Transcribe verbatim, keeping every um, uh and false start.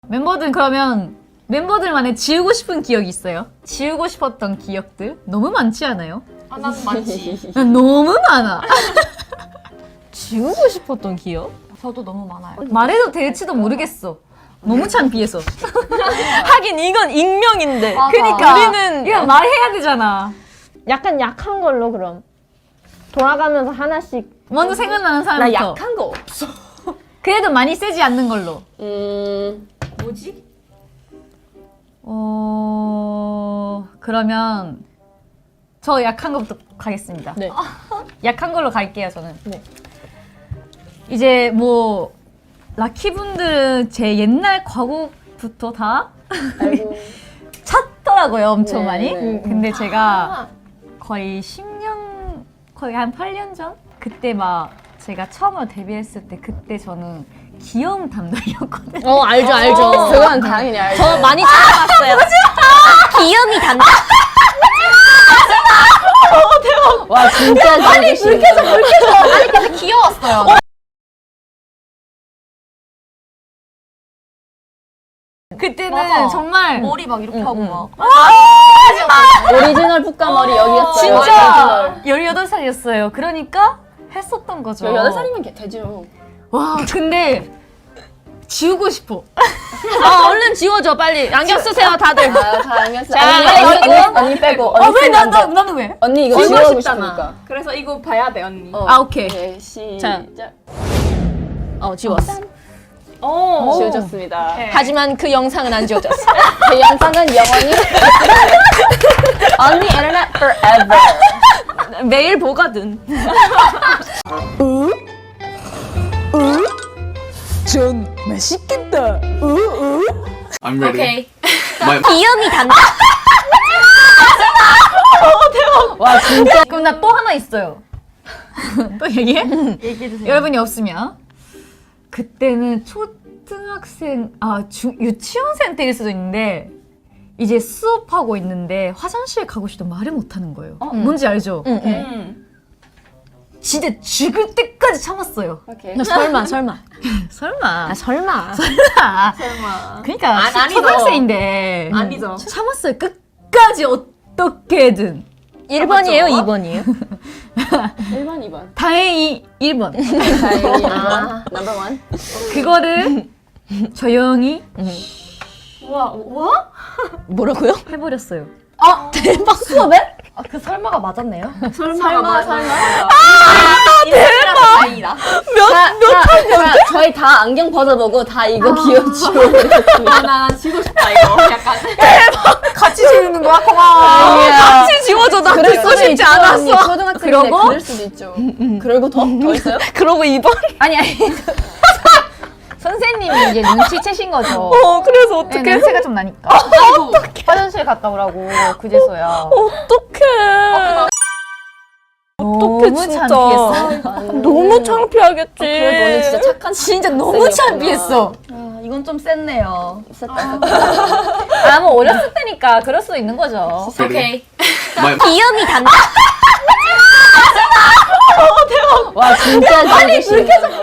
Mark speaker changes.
Speaker 1: 멤버들 그러면 멤버들만의 지우고 싶은 기억이 있어요? 지우고 싶었던 기억들? 너무 많지 않아요?
Speaker 2: 아, 나도 많지.
Speaker 1: 난 너무 많아.
Speaker 3: 지우고 싶었던 기억?
Speaker 2: 저도 너무 많아요.
Speaker 1: 말해도 될지도 모르겠어. 너무 창피해서.
Speaker 3: 하긴 이건 익명인데.
Speaker 2: 맞아.
Speaker 1: 그니까
Speaker 3: 우리는
Speaker 1: 이거 말해야 되잖아.
Speaker 4: 약간 약한 걸로 그럼 돌아가면서 하나씩.
Speaker 1: 먼저 생각나는
Speaker 3: 나
Speaker 1: 사람부터.
Speaker 3: 약한 거 없어.
Speaker 1: 그래도 많이 세지 않는 걸로.
Speaker 3: 음,
Speaker 2: 뭐지?
Speaker 1: 어... 그러면 저 약한 것부터 가겠습니다.
Speaker 3: 네.
Speaker 1: 약한 걸로 갈게요, 저는.
Speaker 3: 네.
Speaker 1: 이제 뭐 라키분들은 제 옛날 과거부터 다
Speaker 4: 아이고.
Speaker 1: 찾더라고요, 엄청
Speaker 4: 네,
Speaker 1: 많이.
Speaker 4: 네.
Speaker 1: 근데 제가 거의 십 년, 거의 한 팔 년 전? 그때 막 제가 처음으로 데뷔했을 때 그때 저는 귀여움 담당이었거든요.
Speaker 3: 어, 알죠, 알죠.
Speaker 4: 그건 당연히 알죠.
Speaker 3: 저 많이 찾아봤어요. 귀염이 단다.
Speaker 4: 와 진짜 아니 불쾌서
Speaker 2: 아니, 근데 귀여웠어요.
Speaker 1: 그때는
Speaker 2: 맞아.
Speaker 1: 정말
Speaker 2: 머리 막 이렇게 하고 막.
Speaker 4: 오리지널 푸까머리 여기였어요.
Speaker 1: 진짜 열여덟 살이었어요. 그러니까 했었던 거죠.
Speaker 4: 열여덟 살이면 되죠.
Speaker 1: 와, 근데 지우고 싶어.
Speaker 3: 아, 얼른 지워줘, 빨리. 안경 쓰세요, 다들.
Speaker 4: 아, 다 알겠어.
Speaker 3: 자,
Speaker 4: 언니,
Speaker 3: 빨리
Speaker 4: 언니,
Speaker 3: 지워.
Speaker 4: 언니, 언니 빼고.
Speaker 1: 아,
Speaker 4: 언니
Speaker 1: 왜? 나,
Speaker 4: 먼저.
Speaker 1: 나, 나는 왜?
Speaker 4: 언니 이거
Speaker 1: 지우고
Speaker 4: 지우고
Speaker 1: 싶잖아.
Speaker 4: 싶으니까.
Speaker 2: 그래서 이거 봐야 돼, 언니.
Speaker 4: 어.
Speaker 1: 아, 오케이.
Speaker 4: 네, 시작.
Speaker 3: 어, 지웠어.
Speaker 2: 어.
Speaker 4: 지워졌습니다.
Speaker 2: 네.
Speaker 3: 하지만 그 영상은 안 지워졌어.
Speaker 4: 그 영상은 영원히 언니 인터넷 forever.
Speaker 3: 매일 보거든. 전 맛있겠다.
Speaker 5: I'm ready.
Speaker 2: 오케이.
Speaker 5: My,
Speaker 3: 귀염이 단다.
Speaker 4: 와 진짜
Speaker 1: 그럼 나 또 하나 있어요. 또 얘기해?
Speaker 2: 얘기해주세요.
Speaker 1: 여러분이 없으면 그때는 초등학생, 아 중, 유치원생 때일 수도 있는데 이제 수업하고 있는데 화장실 가고 싶다 말을 못하는 거예요. 뭔지 알죠?
Speaker 3: 응, 응.
Speaker 2: 음.
Speaker 1: 진짜 죽을 때까지 참았어요.
Speaker 4: 오케이.
Speaker 3: 너 설마, 설마.
Speaker 1: 설마.
Speaker 3: 아, 설마.
Speaker 1: 설마.
Speaker 2: 설마.
Speaker 1: 그러니까
Speaker 2: 아, 아니죠.
Speaker 1: 초등학생인데
Speaker 2: 아니죠.
Speaker 1: 참았어요. 끝까지 어떻게든.
Speaker 3: 일 번이에요, 이 번이에요?
Speaker 4: 일 번, 이 번.
Speaker 1: 다행히 일 번.
Speaker 4: 다행히 일 번. 넘버 원.
Speaker 1: 그거를 조용히
Speaker 2: 와, 와?
Speaker 3: 뭐라고요?
Speaker 1: 해버렸어요.
Speaker 4: 수업에?
Speaker 2: 아, 그 설마가 맞았네요? 설마,
Speaker 4: 설마,
Speaker 2: 설마.
Speaker 4: 설마.
Speaker 2: 아, 대박! 다행이다.
Speaker 4: 몇, 몇 학 저희 다 안경 벗어보고 다 이거 기억 지워버렸습니다.
Speaker 2: 아, 나 지고 싶다, 이거. 약간.
Speaker 1: 같이 지우는 거야? 고마워.
Speaker 3: 같이 지워줘, 나
Speaker 4: 그럴
Speaker 3: 듣고
Speaker 4: 수도
Speaker 3: 싶지
Speaker 4: 있죠,
Speaker 3: 않았어.
Speaker 4: 언니. 초등학생인데
Speaker 1: 그러고?
Speaker 4: 그럴 수도 있죠. 그리고 더? 더 있어요?
Speaker 3: 그러고 이 번?
Speaker 1: 아니 아니. 선생님이 이제 눈치채신 거죠.
Speaker 3: 어, 그래서
Speaker 1: 네,
Speaker 3: 어떡해.
Speaker 1: 냄새가 좀 나니까. 화장실 갔다 오라고 그제서야.
Speaker 3: 어떡해. 어떡해,
Speaker 1: 너무
Speaker 3: 진짜.
Speaker 1: 창피했어.
Speaker 3: 너무 창피하겠지.
Speaker 4: 그래도 언니 진짜 착한
Speaker 1: 진짜 너무
Speaker 4: 학생이었구나.
Speaker 1: 창피했어. 아, 이건 좀 셌네요.
Speaker 4: 있었다.
Speaker 1: 아, 뭐 어렸을 때니까 그럴 수도 있는 거죠.
Speaker 2: 오케이.
Speaker 5: my,
Speaker 3: 귀염이 단다.
Speaker 4: 와 진짜 지우고 싶다.